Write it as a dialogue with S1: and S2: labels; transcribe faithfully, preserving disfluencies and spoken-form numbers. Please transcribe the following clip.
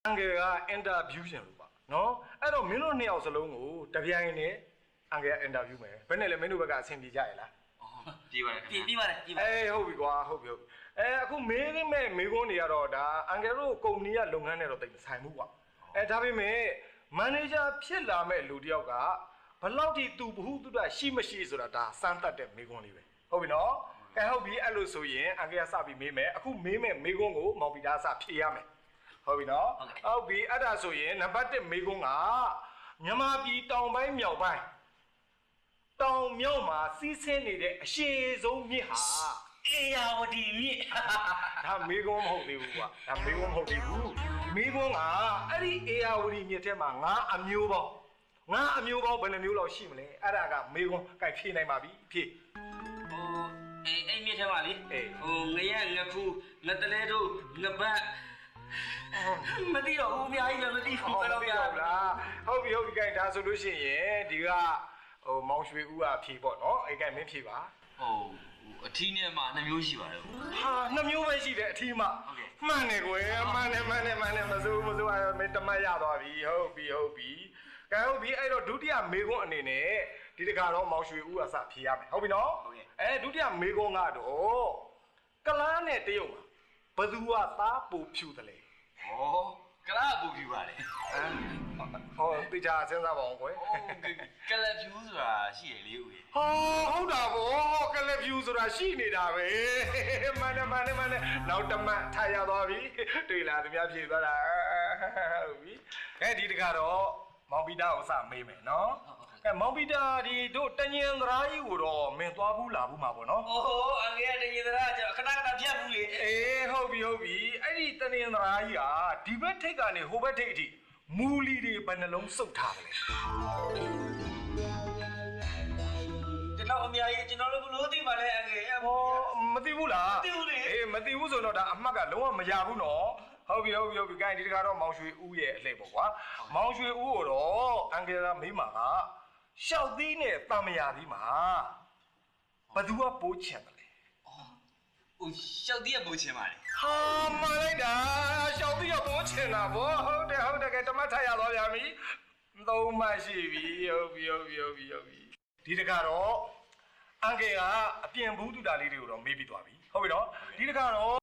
S1: အန်ကယ်ကအင်တာဗျူးရှင်လို့ပါနော်အဲ့တော့မင်းတို့နှစ်ယောက်စလုံးကိုတပြိုင်နဲ့အန်ကယ်ကအင်တာဗျူးမယ်ဘယ်နဲ့လဲမင်းတို့ဘက်ကအဆင်ပြေကြရလား
S2: ပြေးပါတယ်
S3: ပြေးပြေးပါတယ်ပြေးပါတယ်
S1: အေးဟုတ်ပြီကွာဟုတ်ပြီဟုတ်ပြီအဲအခုမေးနေမဲ့မေးခွန်းတွေကတော့ဒါအန်ကယ်တို့ကုမ္ပဏီကလုပ်ငန်းနဲ့တော့တိတ်မဆိုင်ဘူးကွာအဲဒါပေမဲ့မန်နေဂျာဖြစ်လာမဲ့လူတယောက်ကဘလောက်ထိသူဘ ഹു တုဒရှိမရှိဆိုတာဒါစမ်းသပ်တဲ့မေးခွန်းလေးပဲဟုတ်ပြီနော်ကဲဟုတ်ပြီအဲ့လိုဆိုရင်အန်ကယ်ကစပြီးမေးမယ်အခုမေးမဲ့မေးခွန်းကိုမောင်ပီတာစဖြေရမယ်ဟုတ်ပြီနော်ဟုတ်ပြီအဲ့ဒါဆိုရင်နံပါတ်တစ်မေးခွန်းကမြန်မာပြည်တောင်ပိုင်းမြောက်ပိုင်းတောင်မြောက်မှာစီးဆင်းနေတဲ့အရှိဆုံးမြစ်ဟာ
S3: အေယာဝတီမြစ်
S1: ဒါမေးခွန်းမဟုတ်သေးဘူးကွာဒါမေးခွန်းမဟုတ်သေးဘူးမေးခွန်းကအဲ့ဒီအေယာဝတီမြစ်ထဲမှာငါအမျိုးပေါင်းငါအမျိုးပေါင်းဘယ်နှမျိုးလောက်ရှိမလဲအဲ့ဒါကမေးခွန်းကြိုက်ဖြေနိုင်ပါပြီဖြေ
S3: ဟိုအေးအိမ်မြစ်ထဲမှာလေဟိုငရက်ငခုငတလဲတို့ငပတ်မသိတော့ဘူးအများကြီးလည်းမသိဘူးဘယ်တော့မှ
S1: ဟုတ်လားဟုတ်ပြီဟုတ်ပြီကြိုက်ဒါဆိုလို့ရှိရင်ဒီကဟိုမောင်ရွှေဦးကဖြေပေါ့နော်အဲ့ကမင်းဖြေပါ
S2: ဟိုအထီးနဲ့မှနှစ်မျိုးရှိပါတယ်
S1: ဟာနှစ်မျိုးပဲရှိတယ်အထီးမှမှန်တယ်ကွယ်မှန်တယ်မှန်တယ်မှန်တယ်မစိုးမစိုးအဲ့မင်းတမတ်ရသွားပြီဟုတ်ပြီဟုတ်ပြီကဲဟုတ်ပြီအဲ့တော့ဒုတိယမေခွန်းအနေနဲ့ဒီတခါတော့မောင်ရွှေဦးကစဖြေရမယ်ဟုတ်ပြီနော်အဲဒုတိယမေခွန်းကတော့ကလားနဲ့တရုတ်မှာဘသူကသားပူဖြူတယ်လေ
S2: ဩကလားပူဖြူပါလေ
S1: ဟောတေချာစဉ်းစားပါအောင်ကွယ်
S2: ကလဖြူဆိုတာရှိရလေဦးရေ
S1: ဟောဟုတ်တာဗောကလဖြူဆိုတာရှိနေတာပဲမှန်တယ်မှန်တယ်မှန်တယ်နောက်တမတ်ထားရသွားပြီတွေ့လားသူများဖြေသွားတာဟုတ်ပြီအဲဒီတခါတော့မောင်ပီတာကိုစမေးမယ်နော်အဲမောင်ပီတာဒီတို့တညင်သရာကြီးကိုတော့မင်းသွားဘူးလာဘူးမှာပေါ့နော်
S3: အိုးအငယ်တညင်သရာကျခဏခဏဖြတ်ဘူးလေ
S1: အေးဟုတ်ပြီဟုတ်ပြီအဲ့ဒီတညင်သရာကြီးကဒီဘက်ထိပ်ကနေဟိုဘက်ထိပ်အထိမူလီတွေဘယ်နှလုံးစုပ်ထားတယ်
S3: ကျွန်တော်အများကြီးကျွန်တော်လည်းဘလို့သိပါလဲအငယ်
S1: ဟောမသိဘူးလား
S3: မသိဘူးလေ
S1: အေးမသိဘူးဆိုတော့ဒါအမှတ်ကလုံးဝမရဘူးနော်ဟုတ်ပြီဟုတ်ပြီဟုတ်ပြီ gain ဒီတခါတော့မောင်ရွှေဦးရဲ့အလှည့်ပေါ့ကွာမောင်ရွှေဦးကိုတော့အန်ကယ်ကမိမာကရှောက်သီးနဲ့တမယာသီးမှာဘသူကပိုးချင်တယ်လေ
S2: အော်ဟိုရှောက်သီးကပိုးချင်ပါလေ
S1: ဟာမှန်လိုက်တာရှောက်သီးကပိုးချင်တာဗောဟုတ်တယ်ဟုတ်တယ်ကဲတမတ်ထရသွားပြန်ပြီသုံးမှရှိပြီဟုတ်ပြီဟုတ်ပြီဟုတ်ပြီဟုတ်ပြီဒီတခါတော့အန်ကယ်ကအပြင်ဘူးတူတာလေးတွေကိုတော့မေးပြီးသွားပြီဟုတ်ပြီနော်ဒီတခါတော့